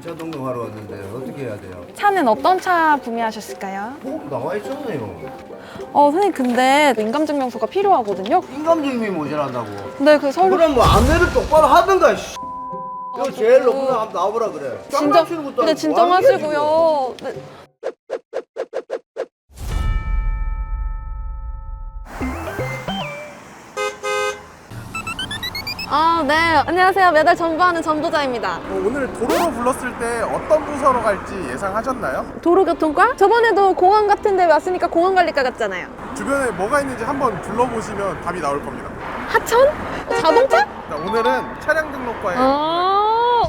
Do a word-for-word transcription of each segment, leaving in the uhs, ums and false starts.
차 등록하러 왔는데 어떻게 해야 돼요? 차는 어떤 차 구매하셨을까요? 어? 나와 있잖아요. 어, 선생님 근데 인감증명서가 필요하거든요. 인감증명이 모자란다고. 근데 그 서류 그럼 뭐 안내를 똑바로 하든가. 씨. 이거 제일 높은 거 한번 나와보라 그래. 진정, 장난치는 것도 근데 아니고 뭐 하는 거야, 진정하시고요. 네. 아, 네. 안녕하세요. 매달 전부하는 전부자입니다. 어, 오늘 도로로 불렀을 때 어떤 부서로 갈지 예상하셨나요? 도로교통과? 저번에도 공항 같은 데 왔으니까 공항관리과 같잖아요. 주변에 뭐가 있는지 한번 둘러보시면 답이 나올 겁니다. 하천? 자동차? 자, 오늘은 차량 등록과에 아.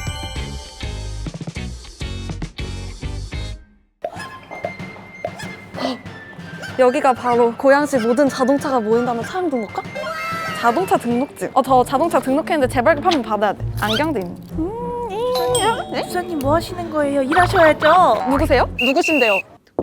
여기가 바로 고양시 모든 자동차가 모인다는 차량 등록과? 자동차 등록증. 어, 저 자동차 등록했는데 재발급 한번 받아야 돼. 안경도 있네. 음, 이, 네? 부사님 뭐 하시는 거예요? 일하셔야죠. 누구세요? 누구신데요?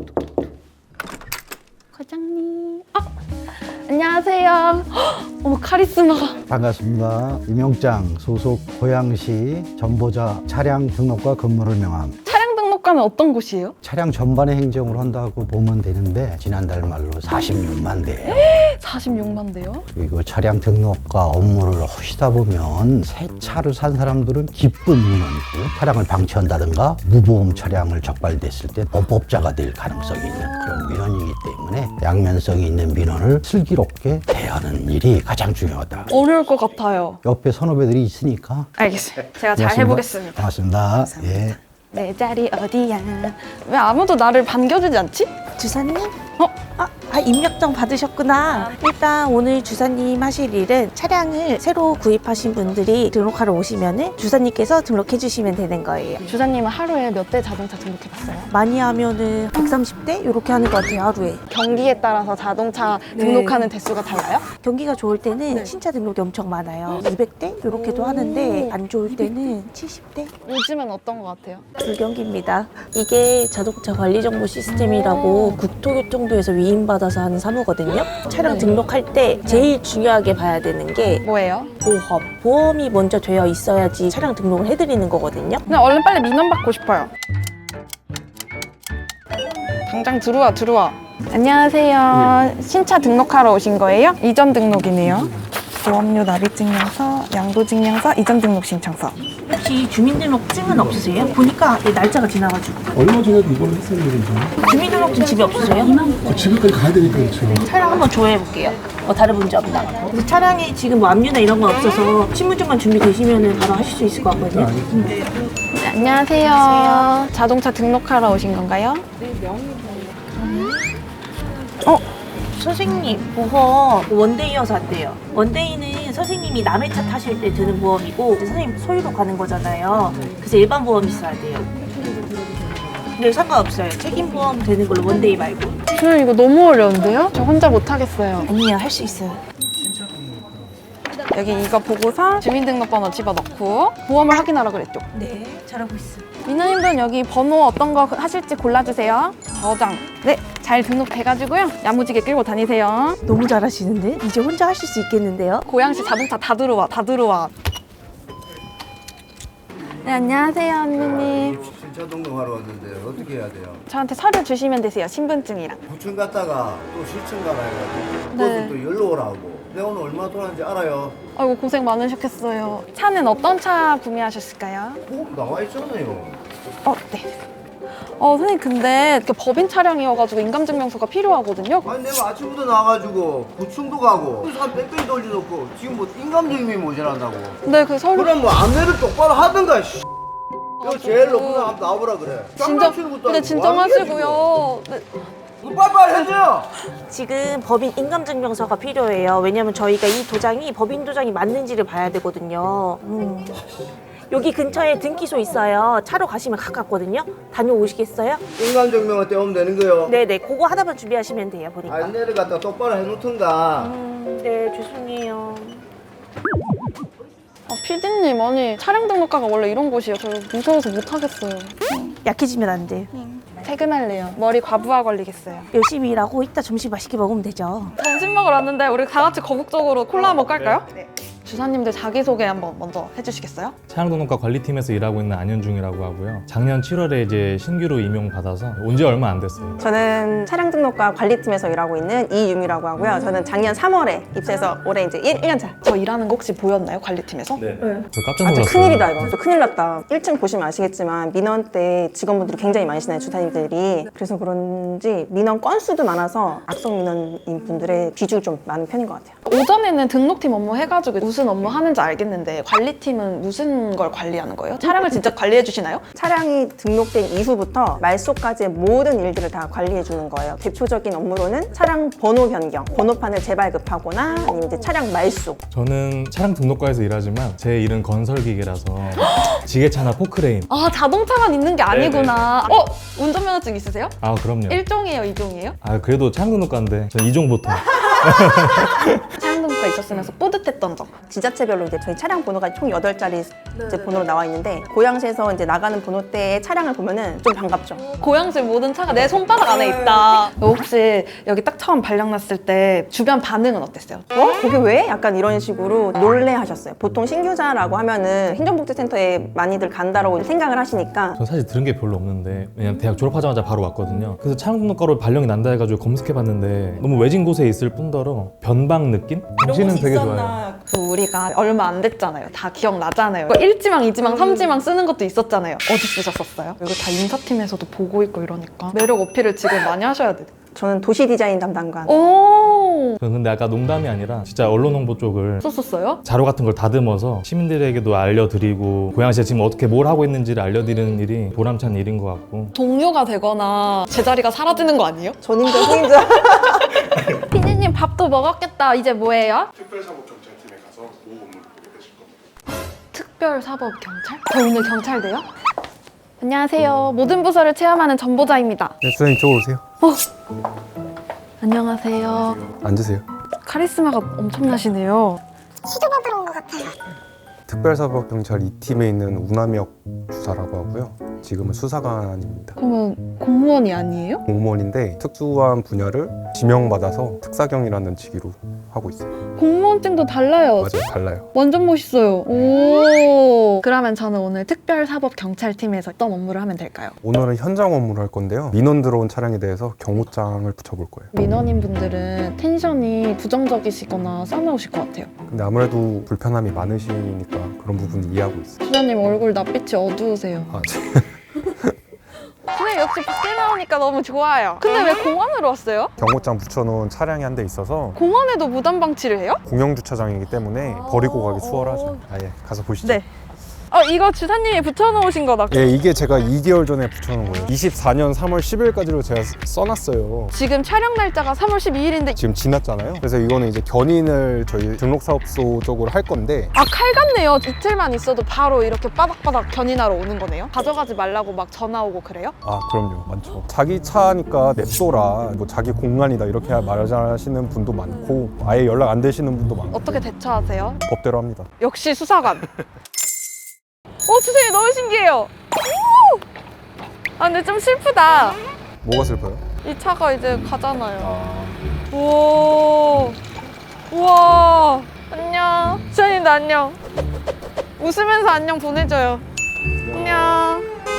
과장님. 아, 안녕하세요. 헉, 어머, 카리스마가. 반갑습니다. 임용장 소속 고양시 전보자 차량 등록과 근무를 명함. 차량 등록과는 어떤 곳이에요? 차량 전반의 행정을 한다고 보면 되는데 지난달 말로 사십육만 대예요. 사십육만 대요? 그리고 차량 등록과 업무를 하시다 보면 새 차를 산 사람들은 기쁜 민원이고 차량을 방치한다든가 무보험 차량을 적발됐을 때 범법자가 될 가능성이 있는 그런 민원이기 때문에 양면성이 있는 민원을 슬기롭게 대하는 일이 가장 중요하다. 어려울 것 같아요. 옆에 선후배들이 있으니까 알겠어요. 제가 잘 고맙습니다. 해보겠습니다. 고맙습니다. 예. 내 자리 어디야? 왜 아무도 나를 반겨주지 않지? 주사님? 어? 아, 아, 입력증 받으셨구나. 일단 오늘 주사님 하실 일은 차량을 새로 구입하신 분들이 등록하러 오시면은 주사님께서 등록해 주시면 되는 거예요. 주사님은 하루에 몇 대 자동차 등록해봤어요? 많이 하면은 백삼십 대 이렇게 하는 것 같아요, 하루에. 경기에 따라서 자동차 네. 등록하는 대수가 달라요? 경기가 좋을 때는 네. 신차 등록이 엄청 많아요. 이백 대 이렇게도 오. 하는데 안 좋을 때는 칠십 대 요즘엔 어떤 것 같아요? 불경기입니다. 이게 자동차 관리 정보 시스템이라고 국토교통부에서 위임받아서 하는 사무거든요. 차량 네. 등록할 때 제일 중요하게 봐야 되는 게 뭐예요? 보험. 보험이 먼저 되어 있어야지 차량 등록을 해드리는 거거든요. 그냥 얼른 빨리 민원 받고 싶어요. 당장 들어와 들어와. 안녕하세요. 신차 등록하러 오신 거예요? 이전 등록이네요. 보험료 납입증명서, 양도증명서, 이전 등록 신청서. 혹시 주민등록증은 없으세요? 보니까 날짜가 지나가지고. 얼마 전에도 이번에 했었는데 주민등록증 집에 없으세요? 그 집에까지 가야 되니까 그렇죠. 차량 한번 조회해볼게요. 어, 다른 문제 없나? 근데 차량에 지금 뭐 압류나 이런 건 없어서 신분증만 준비되시면 바로 하실 수 있을 것 같거든요. 네, 안녕하세요. 자동차 등록하러 오신 건가요? 어? 선생님, 보험 원데이여서 안 돼요. 원데이는 선생님이 남의 차 타실 때 드는 보험이고 선생님 소유로 가는 거잖아요. 그래서 일반 보험이 있어야 돼요. 근데 상관없어요. 책임보험 되는 걸로 원데이 말고. 저는 이거 너무 어려운데요? 저 혼자 못하겠어요. 아니에요, 할 수 있어요. 여기 이거 보고서 주민등록번호 집어넣고 보험을 확인하라 그랬죠? 네, 잘하고 있어요. 민호님들은 여기 번호 어떤 거 하실지 골라주세요. 저장. 네, 잘 등록돼가지고요. 야무지게 끌고 다니세요. 너무 잘하시는데? 이제 혼자 하실 수 있겠는데요? 고양시 자동차 다 들어와, 다 들어와. 네, 안녕하세요, 언니님. 신차 등록하러 왔는데 어떻게 해야 돼요? 저한테 서류 주시면 되세요, 신분증이랑. 구청 갔다가 또 시청 가라 해가지고 네. 그것도 또 연락 오라고. 내가 오늘 얼마 돈하는지 알아요? 아이고, 고생 많으셨겠어요. 차는 어떤 차 구매하셨을까요? 어? 나와 있잖아요. 어, 네. 어, 선생님, 근데 그 법인 차량이어가지고 인감증명서가 필요하거든요. 아니 내가 아침부터 나와가지고 구청도 가고 한 뺑뺑이 돌려놓고 지금 뭐 인감증명이 모자란다고. 근데 그 서류. 그럼 뭐 안내를 똑바로 하든가. 씨. 이거 제일 높은 거 한번 나와보라 그래. 진정, 장난치는 것도 근데 아니고 뭐 하는 거야, 진정하시고요. 네. 지금. 빨리빨리 해줘요. 지금 법인 인감증명서가 필요해요. 왜냐면 저희가 이 도장이 법인 도장이 맞는지를 봐야 되거든요. 음. 여기 근처에 등기소 있어요. 차로 가시면 가깝거든요. 다녀오시겠어요? 인감증명을 떼오면 되는 거요. 네네, 그거 하나만 준비하시면 돼요, 보니까. 안내를 갖다 똑바로 해놓던가. 음, 네, 죄송해요. 아, 피디님, 아니, 차량 등록과가 원래 이런 곳이에요. 저 무서워서 못하겠어요. 약해지면 안 돼요. 퇴근할래요. 머리 과부하 걸리겠어요. 열심히 일하고 이따 점심 맛있게 먹으면 되죠. 점심 먹으러 왔는데 우리 다 같이 거국적으로 콜라 한번 깔까요? 네. 주사님들 자기소개 한번 먼저 해주시겠어요? 차량등록과 관리팀에서 일하고 있는 안현중이라고 하고요. 작년 칠월에 이제 신규로 임용받아서 온 지 얼마 안 됐어요. 저는 차량 등록과 관리팀에서 일하고 있는 이유미라고 하고요. 저는 작년 삼월에 입사해서 올해 이제 일 년 차. 저 일하는 거 혹시 보였나요? 관리팀에서? 네. 저 깜짝 아, 놀랐어요. 진짜 큰일이다 이거. 또 큰일 났다. 일 층 보시면 아시겠지만 민원 때 직원분들이 굉장히 많으시나요, 주사님들이. 그래서 그런지 민원 건수도 많아서 악성 민원인 분들의 비중이 좀 많은 편인 것 같아요. 오전에는 등록팀 업무 해가지고 무슨 업무 하는지 알겠는데 관리팀은 무슨 걸 관리하는 거예요? 차량을 직접 관리해 주시나요? 차량이 등록된 이후부터 말소까지의 모든 일들을 다 관리해 주는 거예요. 대표적인 업무로는 차량 번호 변경, 번호판을 재발급하거나 아니면 이제 차량 말소. 저는 차량 등록과에서 일하지만 제 일은 건설기계라서 지게차나 포크레인. 아 자동차만 있는 게 아니구나. 어? 운전면허증 있으세요? 아 그럼요. 일 종이에요? 이 종이에요? 아 그래도 차량 등록과인데 전 이종 보통. 차량 등록과 있었으면서 뿌듯했던 점. 지자체별로 이제 저희 차량 번호가 총 여덟 자리 이제 번호로 나와 있는데 고양시에서 이제 나가는 번호대의 차량을 보면은 좀 반갑죠. 고양시 모든 차가 내 손바닥 안에 있다. 혹시 여기 딱 처음 발령났을 때 주변 반응은 어땠어요? 어? 거기 왜? 약간 이런 식으로 놀래하셨어요. 보통 신규자라고 하면은 행정복지센터에 많이들 간다라고 생각을 하시니까 전 사실 들은 게 별로 없는데 왜냐면 대학 졸업하자마자 바로 왔거든요. 그래서 차량 등록과로 발령이 난다 해가지고 검색해봤는데 너무 외진 곳에 있을 뿐더러 변방 느낌? 당신은 되게 좋아요. 그 우리가 얼마 안 됐잖아요. 다 기억나잖아요. 일 지망, 이 지망, 삼 지망 쓰는 것도 있었잖아요. 어디 쓰셨었어요? 이거 다 인사팀에서도 보고 있고 이러니까 매력 어필을 지금 많이 하셔야 돼요. 저는 도시 디자인 담당관. 오 저는 근데 아까 농담이 아니라 진짜 언론 홍보 쪽을 썼었어요? 자료 같은 걸 다듬어서 시민들에게도 알려드리고 고양시가 지금 어떻게 뭘 하고 있는지를 알려드리는 일이 보람찬 일인 것 같고. 동료가 되거나 제자리가 사라지는 거 아니에요? 전임자, 후임자. 피디님 밥도 먹었겠다. 이제 뭐예요? 특별사법경찰팀에 가서 모 업무를 보게 되실 겁니다. 특별사법경찰? 저 오늘 경찰 돼요? 안녕하세요. 모든 부서를 체험하는 전보자입니다. 네, 선생님 이쪽으로 오세요. 안녕하세요. 앉으세요. 카리스마가 엄청나시네요. 특별사법경찰 이 팀에 있는 우남혁 주사라고 하고요. 지금은 수사관입니다. 그러면 공무원이 아니에요? 공무원인데 특수한 분야를 지명받아서 특사경이라는 직위로 하고 있어요. 공무원증도 달라요. 맞아요, 달라요. 완전 멋있어요. 오. 그러면 저는 오늘 특별사법경찰팀에서 어떤 업무를 하면 될까요? 오늘은 현장 업무를 할 건데요. 민원 들어온 차량에 대해서 경호장을 붙여볼 거예요. 민원인 분들은 텐션이 부정적이시거나 싸나우실 것 같아요. 근데 아무래도 불편함이 많으시니까 그런 부분 이해하고 있어요. 주장님 얼굴 낯빛이 어두우세요. 아, 제- 선생님 역시 밖에 나오니까 너무 좋아요. 근데 왜 공원으로 왔어요? 경호장 붙여놓은 차량이 한 대 있어서 공원에도 무단 방치를 해요? 공영주차장이기 때문에 버리고 가기 수월하죠. 아예 가서 보시죠. 네. 어 이거 주사님이 붙여놓으신 거다. 예, 이게 제가 이 개월 전에 붙여놓은 거예요. 이십사 년 삼월 십일까지로 제가 써놨어요. 지금 촬영 날짜가 삼월 십이일인데 지금 지났잖아요. 그래서 이거는 이제 견인을 저희 등록사업소 쪽으로 할 건데 아 칼 같네요. 이틀만 있어도 바로 이렇게 바닥바닥 견인하러 오는 거네요. 가져가지 말라고 막 전화 오고 그래요? 아 그럼요, 많죠. 자기 차니까 냅둬라, 뭐 자기 공간이다 이렇게 말하시는 분도 많고 아예 연락 안 되시는 분도 많고 어떻게 대처하세요? 법대로 합니다. 역시 수사관. 어 주사님 너무 신기해요. 오! 아 근데 좀 슬프다. 뭐가 슬퍼요? 이 차가 이제 가잖아요. 우와. 우와. 안녕. 주사님도 안녕. 웃으면서 안녕 보내줘요. 안녕.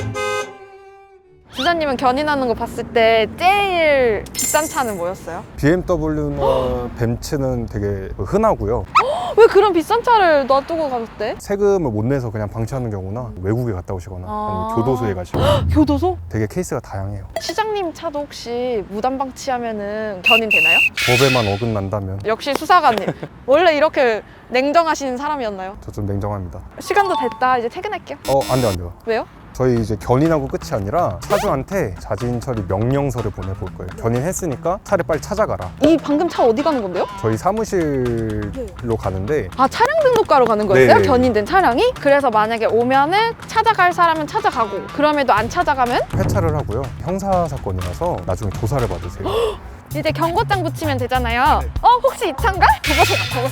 주사님은 견인하는 거 봤을 때 제일 비싼 차는 뭐였어요? 비엠더블유나 벤츠는 되게 흔하고요. 왜 그런 비싼 차를 놔두고 가셨대? 세금을 못 내서 그냥 방치하는 경우나 외국에 갔다 오시거나 아. 아니면 교도소에 가시고 교도소? 되게 케이스가 다양해요. 시장님 차도 혹시 무단 방치하면은 견인 되나요? 법에만 어긋난다면 역시 수사관님. 원래 이렇게 냉정하신 사람이었나요? 저 좀 냉정합니다. 시간도 됐다. 이제 퇴근할게요. 어, 안 돼, 안 돼요. 왜요? 저희 이제 견인하고 끝이 아니라 차주한테 자진 처리 명령서를 보내볼 거예요. 견인했으니까 차를 빨리 찾아가라. 이 방금 차 어디 가는 건데요? 저희 사무실로 가는데 아 차량 등록과로 가는 거였어요? 네. 견인된 차량이? 그래서 만약에 오면은 찾아갈 사람은 찾아가고 그럼에도 안 찾아가면 회차를 하고요. 형사 사건이라서 나중에 조사를 받으세요. 이제 경고장 붙이면 되잖아요. 어 혹시 이 차인가? 보고세요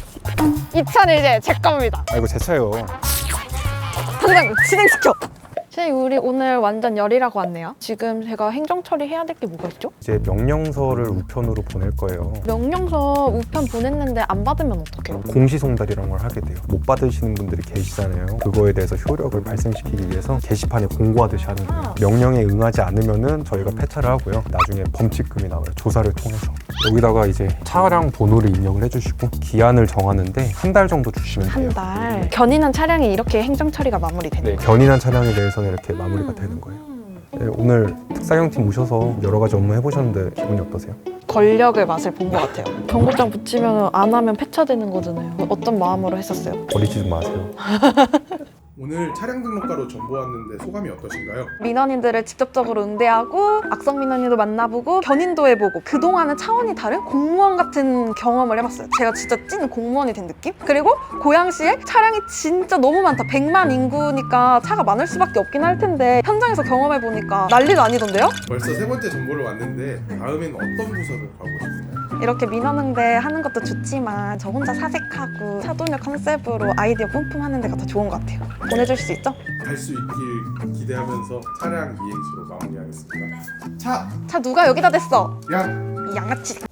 보고세요. 이 차는 이제 제 겁니다. 아 이거 제 차예요. 당장 진행시켜. 선생님 우리 오늘 완전 열이라고 왔네요. 지금 제가 행정 처리해야 될 게 뭐가 있죠? 이제 명령서를 우편으로 보낼 거예요. 명령서 우편 보냈는데 안 받으면 어떡해요? 공시송달이라는 걸 하게 돼요. 못 받으시는 분들이 계시잖아요. 그거에 대해서 효력을 발생시키기 위해서 게시판에 공고하듯이 하는 거예요. 명령에 응하지 않으면은 저희가 폐차를 하고요. 나중에 범칙금이 나와요. 조사를 통해서. 여기다가 이제 차량 번호를 입력을 해주시고 기한을 정하는데 한 달 정도 주시면 돼요. 한 달. 견인한 차량이 이렇게 행정 처리가 마무리되는 네, 거예요? 견인한 차량에 대해서는 이렇게 마무리가 되는 거예요. 네, 오늘 특사경팀 오셔서 여러 가지 업무 해보셨는데 기분이 어떠세요? 권력의 맛을 본 것 같아요. 경고장 붙이면 안 하면 폐차되는 거잖아요. 어떤 마음으로 했었어요? 버리지 좀 마세요. 오늘 차량 등록과로 전보 왔는데 소감이 어떠신가요? 민원인들을 직접적으로 응대하고 악성 민원인도 만나보고 견인도 해보고 그동안은 차원이 다른 공무원 같은 경험을 해봤어요. 제가 진짜 찐 공무원이 된 느낌? 그리고 고양시에 차량이 진짜 너무 많다. 백만 인구니까 차가 많을 수밖에 없긴 할 텐데 현장에서 경험해보니까 난리도 아니던데요? 벌써 세 번째 전보를 왔는데 다음엔 어떤 부서로 가고 싶나요? 이렇게 민원응대 하는 것도 좋지만 저 혼자 사색하고 차도녀 컨셉으로 아이디어 뿜뿜하는 데가 더 좋은 것 같아요. 보내줄 수 있죠? 갈 수 있길 기대하면서 차량 이행시로 마무리하겠습니다. 차! 차 누가 여기다 댔어? 양! 이 양아치.